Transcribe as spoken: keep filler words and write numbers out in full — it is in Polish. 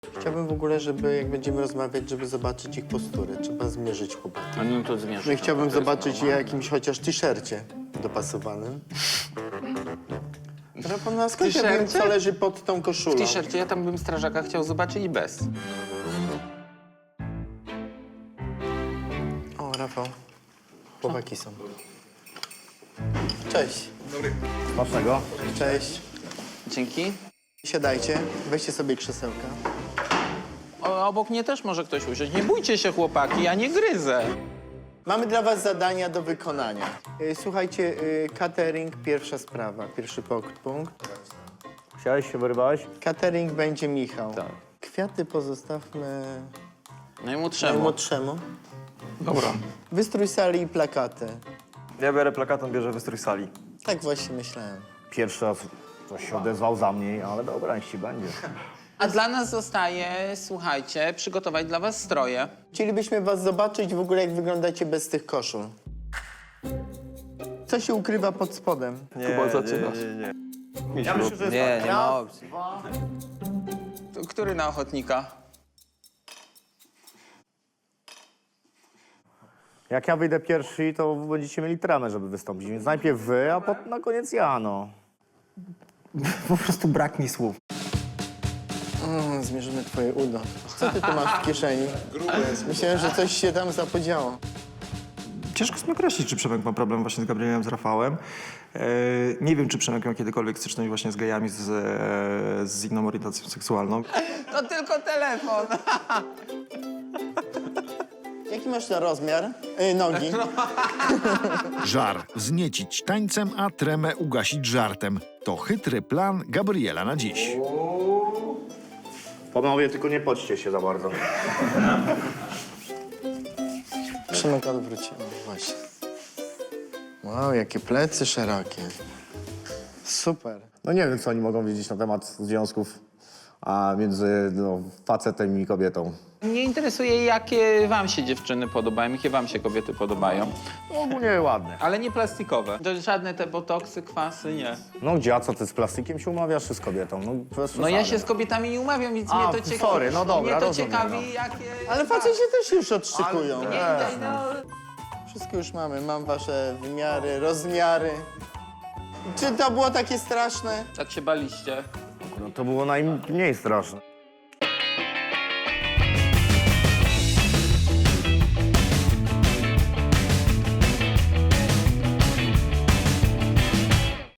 Chciałbym w ogóle, żeby jak będziemy rozmawiać, żeby zobaczyć ich posturę. Trzeba zmierzyć chłopaki. A no to zmierz. No i chciałbym zobaczyć je jakimś chociaż t-shircie dopasowanym. Rafał, no a skąd ja wiem, co leży pod tą koszulą? W t-shircie ja tam bym strażaka chciał zobaczyć bez. O, Rafał. Chłopaki są. Cześć. Smacznego. Cześć. Dzięki. Siadajcie, weźcie sobie krzesełka. O, obok mnie też może ktoś usiąść. Nie bójcie się, chłopaki, ja nie gryzę. Mamy dla was zadania do wykonania. Y, Słuchajcie, y, catering, pierwsza sprawa, pierwszy pok- punkt. Chciałeś się wyrwałeś? Catering będzie Michał. Tak. Kwiaty pozostawmy Najmłodszemu. najmłodszemu. Dobra. Wystrój sali i plakaty. Ja biorę plakat, on bierze wystrój sali. Tak właśnie myślałem. Pierwszy raz ktoś się odezwał za mnie, ale dobra, niech ci będzie. A dla nas zostaje, słuchajcie, przygotować dla was stroje. Chcielibyśmy was zobaczyć w ogóle, jak wyglądacie bez tych koszul. Co się ukrywa pod spodem? Nie, Kuba, zaczynasz. nie, nie, nie. Ja myślę, że jest Nie, tak. nie ma Raz, opcji. dwa. To który na ochotnika? Jak ja wyjdę pierwszy, to będziecie mieli tremę, żeby wystąpić. Więc najpierw wy, a potem na koniec ja, no. Po prostu brak mi słów. O, zmierzymy twoje udo. Co ty tu masz w kieszeni? Myślałem, że coś się tam zapodziało. Ciężko jest mi określić, czy Przemek ma problem właśnie z Gabrielem, z Rafałem. E, nie wiem, czy Przemek miał kiedykolwiek styczność właśnie z gejami, z, e, z inną orientacją seksualną. To tylko telefon. Jaki masz na rozmiar? Yy, nogi. Żar wzniecić tańcem, a tremę ugasić żartem. To chytry plan Gabriela na dziś. Panowie, tylko nie podźcie się za bardzo. Przemek odwrócił. Właśnie. Wow, jakie plecy szerokie. Super. No nie wiem, co oni mogą wiedzieć na temat związków a między no, facetem i kobietą. Mnie interesuje, jakie wam się dziewczyny podobają, jakie wam się kobiety podobają. No, ogólnie ładne. Ale nie plastikowe. To żadne te botoksy, kwasy, nie. No gdzie, a co ty z plastikiem się umawiasz, czy z kobietą? No, bez No ja przesady. się z kobietami nie umawiam, więc A, mnie to ciekawi. sorry, no dobra, Mnie to rozumiem, ciekawi, no. jakie... Ale faceci też już odszykują. Nie, nie, no... Wszystko już mamy. Mam wasze wymiary, rozmiary. Czy to było takie straszne? Tak się baliście. No to było najmniej straszne.